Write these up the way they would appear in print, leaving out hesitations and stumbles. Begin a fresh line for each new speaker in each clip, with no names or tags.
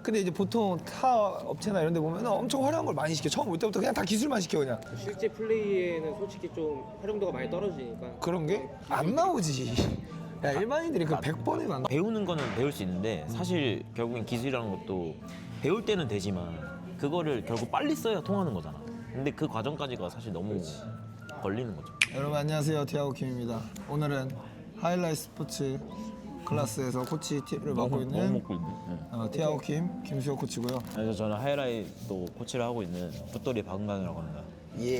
근데 이제 보통 타 업체나 이런 데 보면 엄청 화려한 걸 많이 시켜. 처음 올 때부터 그냥 다 기술만 시켜 그냥.
실제 플레이에는 솔직히 좀 활용도가 많이 떨어지니까
그런 게 안 나오지. 야 일반인들이 그 100번이면 안 나와.
배우는 거는 배울 수 있는데 사실 결국엔 기술이라는 것도 배울 때는 되지만 그거를 결국 빨리 써야 통하는 거잖아. 근데 그 과정까지가 사실 너무 걸리는 거죠.
여러분 안녕하세요. 티아고 김입니다. 오늘은 하이라이트 스포츠 클래스에서 코치를 맡고 있는
먹고 있네.
티아고 김수혁 코치고요.
그래서 저는 하이라이트 코치를 하고 있는 풋돌이 박은강이라고 합니다.
예.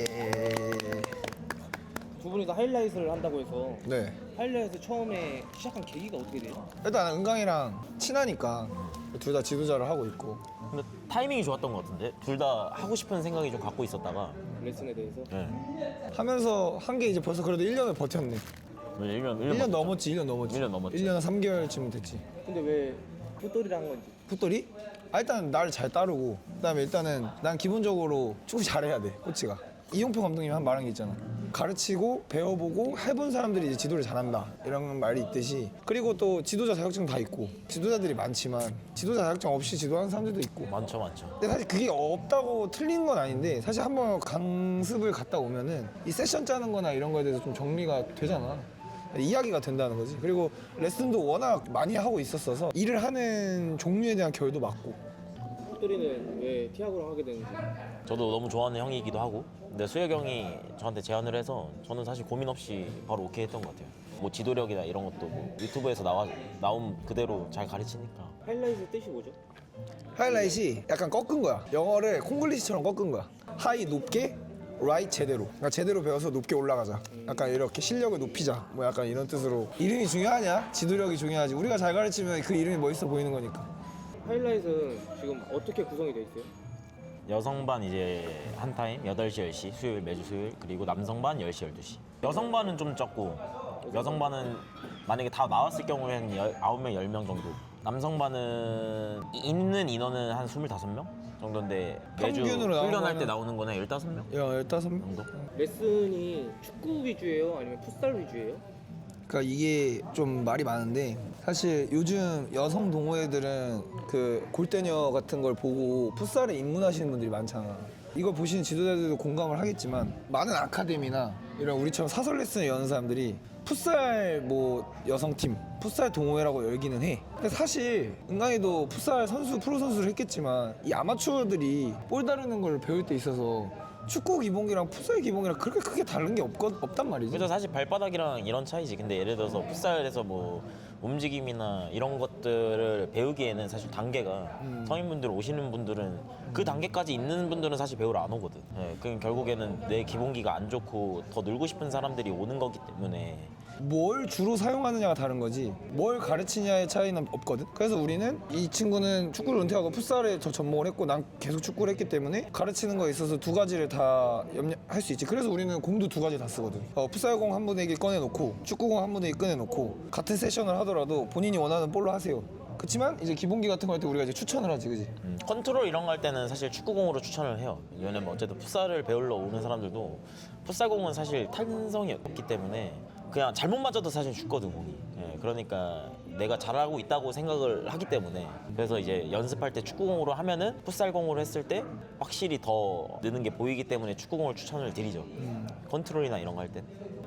두 분이 다 하이라이트를 한다고 해서
네.
하이라이트 처음에 시작한 계기가 어떻게 돼요?
일단 은강이랑 친하니까 둘 다 지도자를 하고 있고.
근데 타이밍이 좋았던 것 같은데 둘 다 하고 싶은 생각이 좀 갖고 있었다가
레슨에 대해서
네.
하면서 한 게 이제 벌써 그래도 1년을 버텼네.
1년
넘었지. 1년 넘었지. 1년 3개월쯤 됐지.
근데 왜 풋돌이를 한 건지
풋돌이? 일단 나를 잘 따르고 그다음에 일단은 난 기본적으로 축구 잘해야 돼 코치가. 이용표 감독님이 한 말한 게 있잖아. 가르치고 배워보고 해본 사람들이 이제 지도를 잘한다 이런 말이 있듯이. 그리고 또 지도자 자격증 다 있고 지도자들이 많지만 지도자 자격증 없이 지도하는 사람들도 있고.
많죠.
근데 사실 그게 없다고 틀린 건 아닌데 사실 한번 강습을 갔다 오면은 이 세션 짜는 거나 이런 거에 대해서 좀 정리가 되잖아. 이야기가 된다는 거지. 그리고 레슨도 워낙 많이 하고 있었어서 일을 하는 종류에 대한 결도 맞고.
풋돌이는 왜 티아고랑 하게 되는지
저도 너무 좋아하는 형이기도 하고 근데 수혁 형이 저한테 제안을 해서 저는 사실 고민 없이 바로 오케이 했던 것 같아요. 뭐 지도력이나 이런 것도 뭐 유튜브에서 나온 그대로 잘 가르치니까.
하이라이트 뜻이 뭐죠?
하이라이트이 약간 꺾은 거야. 영어를 콩글리시처럼 꺾은 거야. 하이 높게, 라이트 제대로. 그러니까 제대로 배워서 높게 올라가자. 약간 이렇게 실력을 높이자. 뭐 약간 이런 뜻으로. 이름이 중요하냐? 지도력이 중요하지. 우리가 잘 가르치면 그 이름이 멋있어 보이는 거니까.
하이라이트는 지금 어떻게 구성이 돼 있어요?
여성반 이제 한 타임 8시 10시 수요일 매주 수요일 그리고 남성반 10시 12시. 여성반은 좀 적고 여성반은 만약에 다 나왔을 경우에는 9명 10명 정도. 남성반은 있는 인원은 한 25명 정도인데 매주
평균으로 나오는
훈련할
거는-
때 나오는 거는 15명
15명?
정도?
레슨이 축구 위주예요? 아니면 풋살 위주예요?
그러니까 이게 좀 말이 많은데 사실 요즘 여성 동호회들은 그 골대녀 같은 걸 보고 풋살에 입문하시는 분들이 많잖아. 이걸 보시는 지도자들도 공감을 하겠지만 많은 아카데미나 이런 우리처럼 사설 레슨을 여는 사람들이 풋살 뭐 여성팀, 풋살 동호회라고 열기는 해. 근데 사실 은강이도 풋살 선수, 프로 선수를 했겠지만 이 아마추어들이 볼 다루는 걸 배울 때 있어서 축구 기본기랑 풋살 기본기랑 그렇게 크게 다른 게 없단 말이지.
그래서 사실 발바닥이랑 이런 차이지. 근데 예를 들어서 풋살에서 뭐 움직임이나 이런 것들을 배우기에는 사실 단계가 성인분들 오시는 분들은 그 단계까지 있는 분들은 사실 배우러 안 오거든. 예, 그럼 결국에는 내 기본기가 안 좋고 더 늘고 싶은 사람들이 오는 거기 때문에
뭘 주로 사용하느냐가 다른 거지 뭘 가르치냐의 차이는 없거든. 그래서 우리는 이 친구는 축구를 은퇴하고 풋살에 저 전공을 했고 난 계속 축구를 했기 때문에 가르치는 거에 있어서 두 가지를 다 할 수 있지. 그래서 우리는 공도 두 가지 다 쓰거든. 풋살공 한 분에게 꺼내놓고 축구공 한 분에게 꺼내놓고 같은 세션을 하더라도 본인이 원하는 볼로 하세요. 그렇지만 이제 기본기 같은 거 할 때 우리가 이제 추천을 하지, 그지?
컨트롤 이런 거 할 때는 사실 축구공으로 추천을 해요. 왜냐면 어쨌든 풋살을 배우러 오는 사람들도 풋살공은 사실 탄성이 없기 때문에 그냥 잘못 맞아도 사실 죽거든 공이. 예, 그러니까 내가 잘하고 있다고 생각을 하기 때문에 그래서 이제 연습할 때 축구공으로 하면은 풋살공으로 했을 때 확실히 더 느는 게 보이기 때문에 축구공을 추천을 드리죠. 컨트롤이나 이런 거 할 때.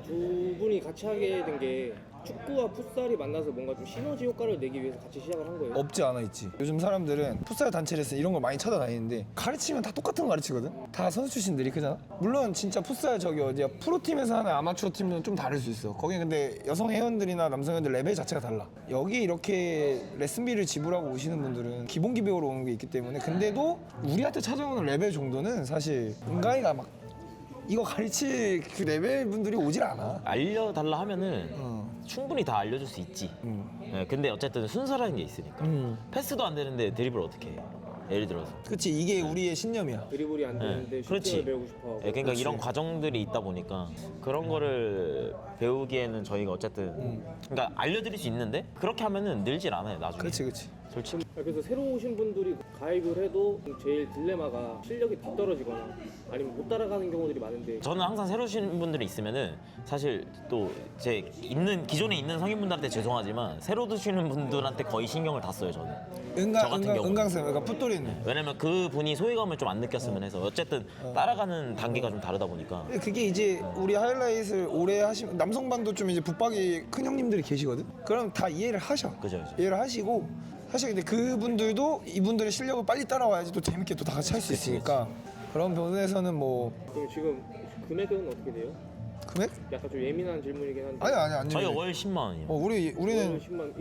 두 분이 같이 하게 된 게 축구와 풋살이 만나서 뭔가 좀 시너지 효과를 내기 위해서 같이 시작을 한 거예요?
없지 않아 있지. 요즘 사람들은 풋살 단체 레슨 이런 걸 많이 찾아다니는데 가르치면 다 똑같은 거 가르치거든. 다 선수 출신들이. 그잖아. 물론 진짜 풋살 저기 어디야 프로팀에서 하는 아마추어 팀은 좀 다를 수 있어. 거기 근데 여성 회원들이나 남성 회원들 레벨 자체가 달라. 여기 이렇게 레슨비를 지불하고 오시는 분들은 기본기 배우러 오는 게 있기 때문에. 근데도 우리한테 찾아오는 레벨 정도는 사실 은강이가 막 이거 가르칠 그 레벨 분들이 오질 않아.
알려달라 하면은 충분히 다 알려줄 수 있지. 예, 근데 어쨌든 순서라는 게 있으니까. 패스도 안 되는데 드리블 어떻게 해? 예를 들어서.
그치, 이게 우리의 신념이야.
드리블이 안 되는데
네,
슈팅을
그렇지.
배우고 싶어 하고
예, 그러니까 이런 과정들이 있다 보니까 그런 거를 배우기에는 저희가 어쨌든 그러니까 알려드릴 수 있는데 그렇게 하면은 늘질 않아요 나중에.
그렇지.
솔직히.
그래서 새로 오신 분들이 가입을 해도 제일 딜레마가 실력이 뒤떨어지거나 아니면 못 따라가는 경우들이 많은데
저는 항상 새로 오신 분들이 있으면은 사실 또 제 기존에 있는 성인분들한테 죄송하지만 새로 드시는 분들한테 거의 신경을 다 써요 저는. 저 같은 경우는.
은강쌤, 그러니까 풋돌이는.
왜냐면 그 분이 소외감을 좀 안 느꼈으면 해서 어쨌든 따라가는 단계가 좀 다르다 보니까.
근데 그게 이제 우리 하이라이트를 오래 하시면 남성반도 좀 이제 붙박이 큰 형님들이 계시거든. 그럼 다 이해를 하셔.
그죠.
이해를 하시고 사실 근데 그분들도 이분들의 실력을 빨리 따라와야지 또 재밌게 또 다 같이 할 수 있으니까 그런 부분에서는 뭐
그럼 지금 금액은 어떻게 돼요?
금액?
약간 좀 예민한 질문이긴 한데
아니
저희 월 10만 원이요.
우리는
10만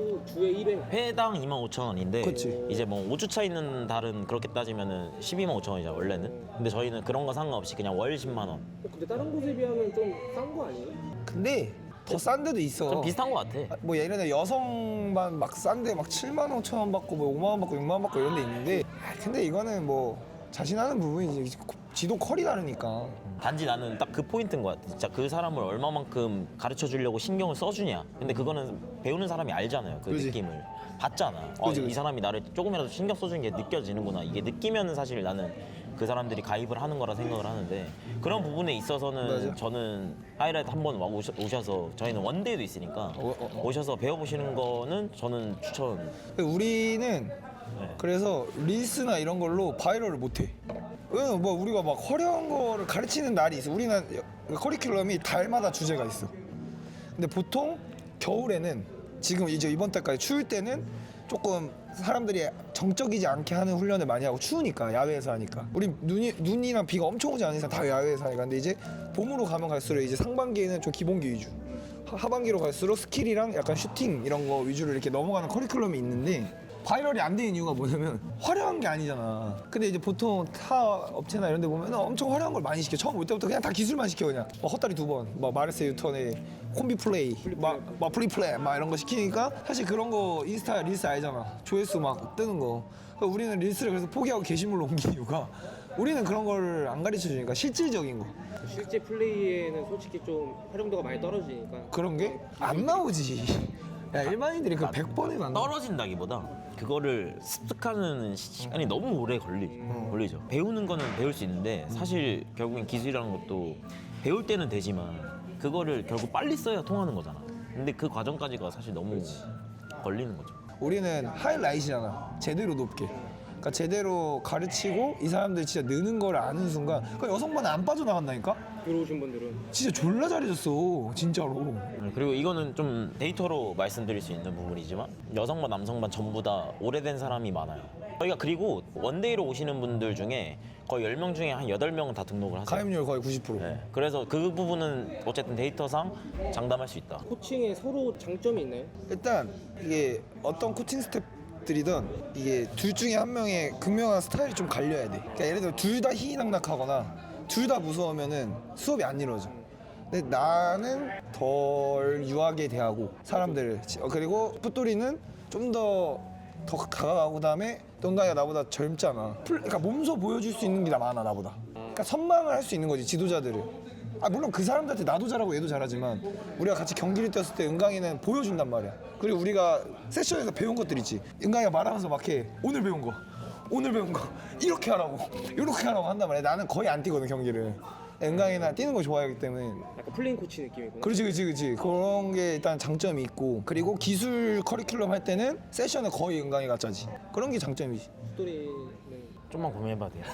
주에 1회
회당 25,000원인데
그치.
이제 뭐 5주차 있는 달은 그렇게 따지면은 125,000원이잖아 원래는. 근데 저희는 그런 거 상관없이 그냥 월 10만 원.
근데 다른 곳에 비하면 좀 싼 거 아니에요?
근데 더 싼 데도 있어.
좀 비슷한 거 같아.
뭐 예를 들어 여성반 막 싼데 막 7만 5천 원 받고 뭐 5만 원 받고 6만 원 받고 이런 데 있는데 근데 이거는 뭐 자신하는 부분이지 지도 컬이 다르니까.
단지 나는 딱 그 포인트인 것 같아. 진짜 그 사람을 얼마만큼 가르쳐 주려고 신경을 써주냐. 근데 그거는 배우는 사람이 알잖아요. 그
그지.
느낌을 봤잖아.
그지,
이
그지.
사람이 나를 조금이라도 신경 써주는 게 느껴지는구나. 이게 느끼면은 사실 나는 그 사람들이 가입을 하는 거라 생각을 하는데 그런 부분에 있어서는
맞아.
저는 하이라이트 한번 오셔서 저희는 원데이도 있으니까 오셔서 배워보시는 거는 저는 추천.
우리는
네.
그래서 릴스나 이런 걸로 바이럴을 못해. 왜냐면 뭐 우리가 막 화려한 거를 가르치는 날이 있어. 우리는 커리큘럼이 달마다 주제가 있어. 근데 보통 겨울에는 지금 이제 이번 달까지 추울 때는 조금 사람들이 정적이지 않게 하는 훈련을 많이 하고 추우니까 야외에서 하니까 우리 눈이랑 비가 엄청 오지 않은 이상 다 야외에서 하니까 근데 이제 봄으로 가면 갈수록 이제 상반기에는 좀 기본기 위주 하반기로 갈수록 스킬이랑 약간 슈팅 이런 거 위주로 이렇게 넘어가는 커리큘럼이 있는데 바이럴이 안 되는 이유가 뭐냐면 화려한 게 아니잖아. 근데 이제 보통 타 업체나 이런 데 보면 엄청 화려한 걸 많이 시켜. 처음 올 때부터 그냥 다 기술만 시켜 그냥. 막 헛다리 2번, 막 마르세 유턴에 콤비 플레이, 막 프리 플레이 막 이런 거 시키니까 사실 그런 거 인스타 릴스 알잖아. 조회수 막 뜨는 거. 그러니까 우리는 릴스를 그래서 포기하고 게시물로 옮긴 이유가 우리는 그런 걸 안 가르쳐 주니까 실질적인 거.
실제 플레이에는 솔직히 좀 활용도가 많이 떨어지니까
그런 게 안 나오지. 야 일반인들이 그 100번에 안 나와.
떨어진다기보다 그거를 습득하는 시간이 너무 오래 걸리죠. 배우는 거는 배울 수 있는데 사실 결국엔 기술이라는 것도 배울 때는 되지만 그거를 결국 빨리 써야 통하는 거잖아. 근데 그 과정까지가 사실 너무 걸리는 거죠.
우리는 하이라이트잖아. 제대로 높게. 그러니까 제대로 가르치고 이 사람들이 진짜 느는 걸 아는 순간 그러니까 여성반은 안 빠져나간다니까?
들어오신 분들은
진짜 졸라 잘해줬어 진짜로.
그리고 이거는 좀 데이터로 말씀드릴 수 있는 부분이지만 여성반 남성반 전부 다 오래된 사람이 많아요. 저희가 그리고 원데이로 오시는 분들 중에 거의 10명 중에 한 8명은 다 등록을 하세요.
가입률 거의 90%.
네. 그래서 그 부분은 어쨌든 데이터상 장담할 수 있다.
코칭에 서로 장점이 있나요?
일단 이게 어떤 코칭 스태프들이든 이게 둘 중에 한 명의 극명한 스타일이 좀 갈려야 돼. 그러니까 예를 들어 둘 다 희희낙낙하거나 둘 다 무서우면은 수업이 안 이루어져. 근데 나는 덜 유하게 대하고 사람들을 그리고 풋돌이는 좀 더 다가가고 그다음에 동강이가 나보다 젊잖아. 그러니까 몸소 보여줄 수 있는 게 많아 나보다. 그러니까 선망을 할 수 있는 거지 지도자들을. 아 물론 그 사람들한테 나도 잘하고 얘도 잘하지만 우리가 같이 경기를 뛰었을 때 은강이는 보여준단 말이야. 그리고 우리가 세션에서 배운 것들 있지. 은강이가 말하면서 막 해. 오늘 배운 거 이렇게 하라고 이렇게 하라고 한단 말이야. 나는 거의 안 뛰거든 경기를. 은강이나 뛰는 거 좋아하기 때문에.
약간 플레인 코치 느낌이구나.
그렇지 그런 게 일단 장점이 있고 그리고 기술 커리큘럼 할 때는 세션은 거의 은강이가 짜지. 그런 게 장점이지.
스토리는
좀만 고민해봐도 돼요.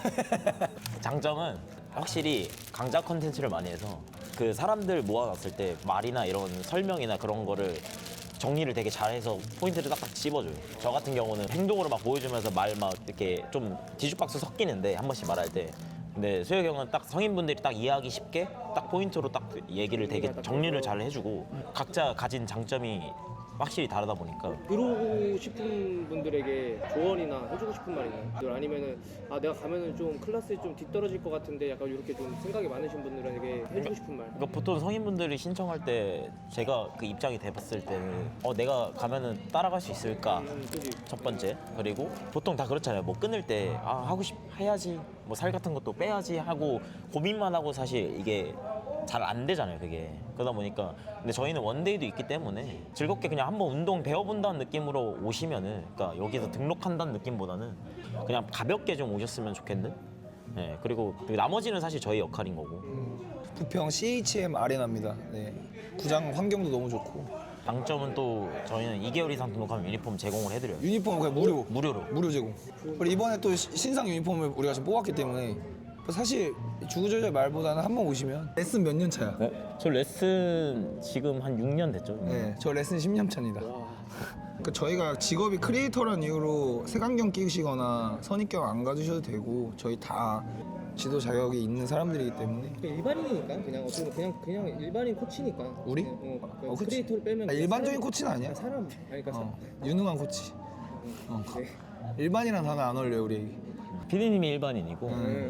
장점은 확실히 강좌 컨텐츠를 많이 해서 그 사람들 모아놨을 때 말이나 이런 설명이나 그런 거를 정리를 되게 잘해서 포인트를 딱딱 찝어줘요. 저 같은 경우는 행동으로 막 보여주면서 말 막 이렇게 좀 뒤죽박수 섞이는데 한 번씩 말할 때 근데 수혁이 형은 딱 성인분들이 딱 이해하기 쉽게 딱 포인트로 딱 얘기를 되게 정리를 잘 해주고 각자 가진 장점이 확실히 다르다 보니까
들어오고 싶은 분들에게 조언이나 해주고 싶은 말 있나요? 아니면은 아 내가 가면은 좀 클래스에 좀 뒤떨어질 것 같은데 약간 이렇게 좀 생각이 많으신 분들에게 해주고 싶은 말.
그러니까 보통 성인분들이 신청할 때 제가 그 입장이 돼봤을 때는 내가 가면은 따라갈 수 있을까
그지.
첫 번째. 그리고 보통 다 그렇잖아요. 뭐 끊을 때 하고 싶 해야지 뭐 살 같은 것도 빼야지 하고 고민만 하고 사실 이게 잘 안 되잖아요, 그게. 그러다 보니까 근데 저희는 원데이도 있기 때문에 즐겁게 그냥 한번 운동 배워본다는 느낌으로 오시면은, 그러니까 여기서 등록한다는 느낌보다는 그냥 가볍게 좀 오셨으면 좋겠는. 네, 그리고 나머지는 사실 저희 역할인 거고.
부평 CHM 아레나입니다. 네. 구장 환경도 너무 좋고
장점은 또 저희는 2개월 이상 등록하면 유니폼 제공을 해드려요.
유니폼 그냥
무료로.
무료 제공. 그리고 이번에 또 신상 유니폼을 우리가 지금 뽑았기 때문에 사실 주구조절 말보다는 한 번 오시면 레슨 몇 년 차야.
저 레슨 지금 한 6년 됐죠.
네, 저 레슨 10년 차입니다. 그 저희가 직업이 크리에이터라는 이유로 색안경 끼시거나 선입견 안 가지셔도 되고 저희 다 지도 자격이 있는 사람들이기 때문에
일반인이니까 그냥 어떻게 보면 그냥 일반인 코치니까.
우리?
그냥
그치.
크리에이터를 빼면
일반적인 코치는 아니야.
사람 아니 그러니까
유능한 코치.
네.
일반이란 단어 안 어울려요 우리.
피디님이 일반인이고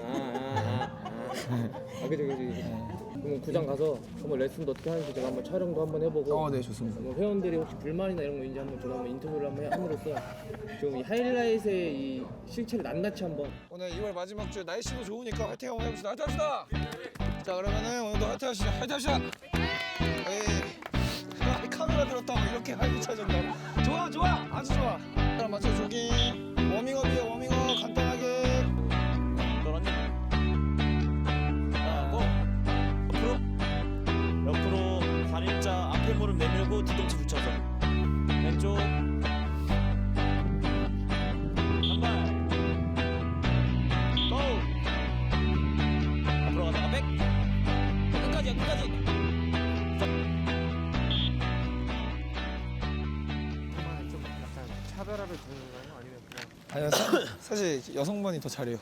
그죠. 그럼 구장 가서 한번 레슨도 어떻게 하는지 제가 한번 촬영도 한번 해보고.
네 좋습니다.
뭐 회원들이 혹시 불만이나 이런 거 있는지 한번 제가 한번 인터뷰를 한번 함으로써 좀 이 하이라이트의 이 실체를 낱낱이 한번.
오늘 2월 마지막 주 날씨도 좋으니까 화이팅 한번 해봅시다. 화이팅 합시다. 자 그러면은 오늘도 화이팅 하시죠. 화이팅 합시다. 에이 카메라 들었다고 이렇게 활기차진다. 좋아 아주 좋아. 자 맞춰 조깅 워밍업이에요. 워밍업 간단하게.
그러니 하고 옆으로 다리자 앞에 무릎 내밀고 뒤꿈치 붙여서 왼쪽 한발 고! 앞으로 가다가 백 끝까지
좀 약간 차별화를 두는 건가요? 아니면 그냥
아니요 사실 여성분이 더 잘해요.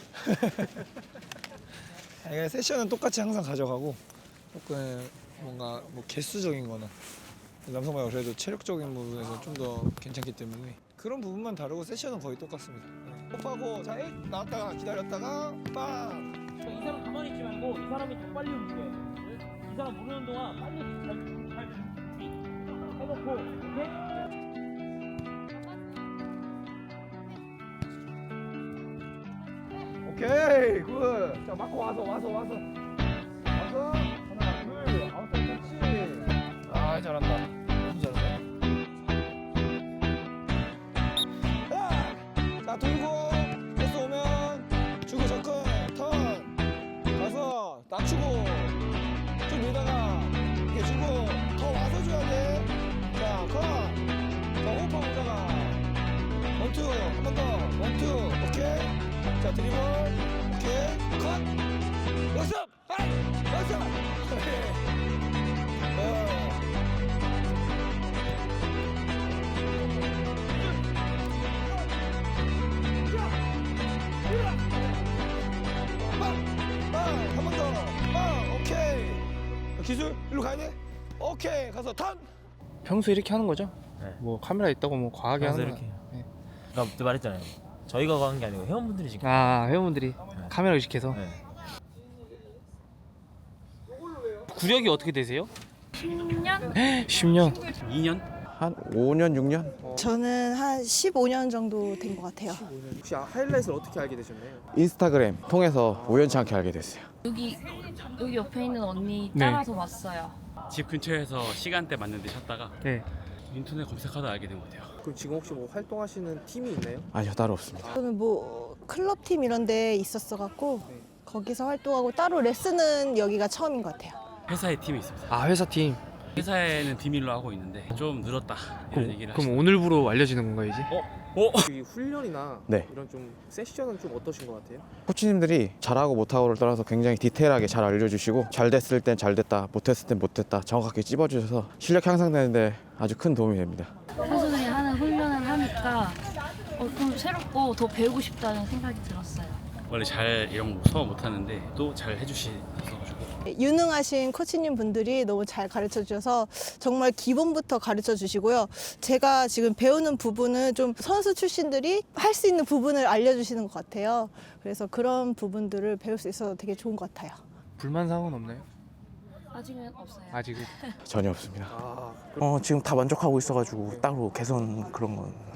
아니, 세션은 똑같이 항상 가져가고 조금 뭔가 뭐 개수적인거나 남성분이 그래도 체력적인 부분에서 좀 더 괜찮기 때문에 그런 부분만 다르고 세션은 거의 똑같습니다. 호흡하고 자 나왔다가 기다렸다가 빵.
이 사람 가만히 있지 말고 이 사람이 더 빨리 움직여. 이 사람 모르는 동안 빨리 잘 해놓고
오케이 굿. 자 맞고 와서 하나 둘 아웃 터치. 아 잘한다. 너무 잘한다. 자 돌고 패스 오면 주고 접근 턴 가서 낮추고 좀 밀다가 이렇게 주고 더 와서 줘야 돼. 자 호흡하고 오다가 원투 한 번 더 원투 오케이. 자 드리블 오케이 컷 연습 하이 연습 한 번 더 오케이 기술 일로 가야 돼 오케이 가서 턴
평소 이렇게 하는 거죠?
네.
뭐 카메라 있다고 뭐 과하게
평소
하는 거.
이렇게.
네.
그러니까 그때 말했잖아요. 저희가 가는 게 아니고 회원분들이 지금.
아 회원분들이 카메라 의식해서.
네.
구력이 어떻게 되세요?
10년?
10년.
2년? 한 5년, 6년?
저는 한 15년 정도 된 것 같아요.
혹시 하이라이트를 어떻게 알게 되셨나요?
인스타그램 통해서 우연치 않게 알게 됐어요.
여기 옆에 있는 언니
네.
따라서 왔어요.
집 근처에서 시간대 맞는데 찾다가
네.
인터넷 검색하다 알게 된 것 같아요.
그럼 지금 혹시 뭐 활동하시는 팀이 있나요?
아니요, 따로 없습니다.
저는 뭐 클럽 팀 이런 데 있었어 갖고 거기서 활동하고 따로 레슨은 여기가 처음인 것 같아요.
회사에 팀이 있습니다.
아 회사 팀.
회사에는 비밀로 하고 있는데 좀 늘었다 이런 얘기를
그럼
하시더라고요.
오늘부로 알려지는 건가요 이제?
이 훈련이나
네.
이런 좀 세션은 좀 어떠신 것 같아요?
코치님들이 잘하고 못하고를 떠나서 굉장히 디테일하게 잘 알려주시고 잘 됐을 땐 잘 됐다, 못했을 땐 못했다 정확하게 찝어주셔서 실력 향상되는데 아주 큰 도움이 됩니다.
선수들이 하는 훈련을 하니까 좀 새롭고 더 배우고 싶다는 생각이 들었어요.
원래 잘 이런 거 소화 못하는데 또 잘 해주셔가지고
유능하신 코치님 분들이 너무 잘 가르쳐 주셔서 정말 기본부터 가르쳐 주시고요. 제가 지금 배우는 부분은 좀 선수 출신들이 할 수 있는 부분을 알려주시는 것 같아요. 그래서 그런 부분들을 배울 수 있어서 되게 좋은 것 같아요.
불만 사항은 없나요?
아직은 없어요.
아직은.
전혀 없습니다.
아,
지금 다 만족하고 있어가지고 따로 개선 그런 건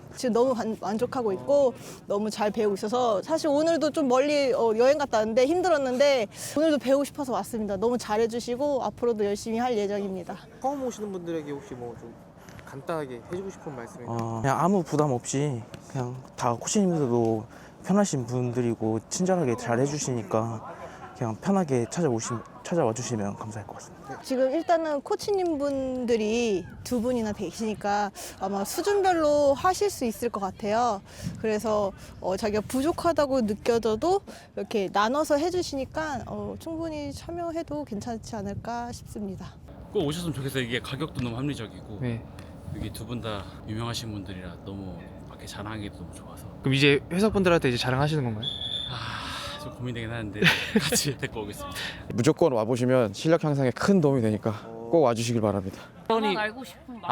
지금 너무 만족하고 있고 너무 잘 배우고 있어서 사실 오늘도 좀 멀리 여행 갔다 왔는데 힘들었는데 오늘도 배우고 싶어서 왔습니다. 너무 잘해주시고 앞으로도 열심히 할 예정입니다.
처음 오시는 분들에게 혹시 뭐 좀 간단하게 해주고 싶은 말씀이
그냥 아무 부담 없이 그냥 다 코치님들도 편하신 분들이고 친절하게 잘 해주시니까 그냥 편하게 찾아와 주시면 감사할 것 같습니다.
지금 일단은 코치님 분들이 두 분이나 계시니까 아마 수준별로 하실 수 있을 것 같아요. 그래서 자기가 부족하다고 느껴져도 이렇게 나눠서 해주시니까 충분히 참여해도 괜찮지 않을까 싶습니다.
꼭 오셨으면 좋겠어요. 이게 가격도 너무 합리적이고
네.
여기 두 분 다 유명하신 분들이라 너무 밖에 자랑하기도 너무 좋아서
그럼 이제 회사분들한테 이제 자랑하시는 건가요?
좀 고민되긴 하는데 같이 데리고 오겠습니다.
무조건 와보시면 실력 향상에 큰 도움이 되니까 꼭 와주시길 바랍니다.
저만 알고 싶은 맛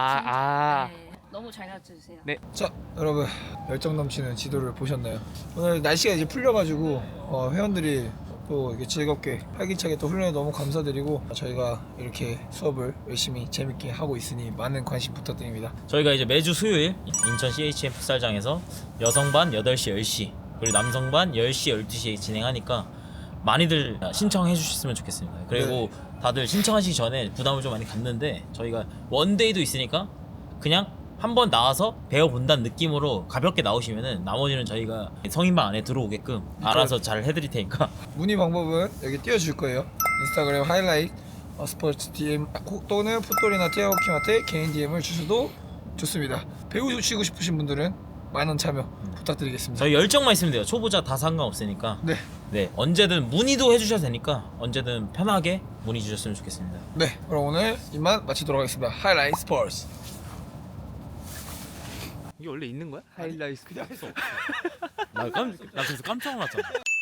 아.
네. 너무 잘 가르쳐 주세요.
자, 여러분 열정 넘치는 지도를 보셨나요? 오늘 날씨가 이제 풀려가지고 회원들이 또 이렇게 즐겁게 활기차게 또 훈련에 너무 감사드리고 저희가 이렇게 수업을 열심히 재밌게 하고 있으니 많은 관심 부탁드립니다.
저희가 이제 매주 수요일 인천 CHM 풋살장에서 여성반 8시 10시 그리고 남성반 10시 12시에 진행하니까 많이들 신청해 주셨으면 좋겠습니다. 그리고 다들 신청하시기 전에 부담을 좀 많이 갖는데 저희가 원데이도 있으니까 그냥 한번 나와서 배워본다는 느낌으로 가볍게 나오시면은 나머지는 저희가 성인방 안에 들어오게끔 알아서 잘 해드릴 테니까
문의 방법은 여기 띄워줄 거예요. 인스타그램 하이라이트 스포츠 DM 또는 풋돌이나 티아오킴한테 개인 DM을 주셔도 좋습니다. 배우시고 싶으신 분들은 많은 참여 부탁드리겠습니다.
저희 열정만 있으면 돼요. 초보자 다 상관없으니까 네 언제든 문의도 해주셔도 되니까 언제든 편하게 문의 주셨으면 좋겠습니다.
네, 그럼 오늘 이만 마치도록 하겠습니다. 하이라이트 스포츠.
이게 원래 있는 거야? 하이라이트.
나 그래서 깜짝 놀랐잖아.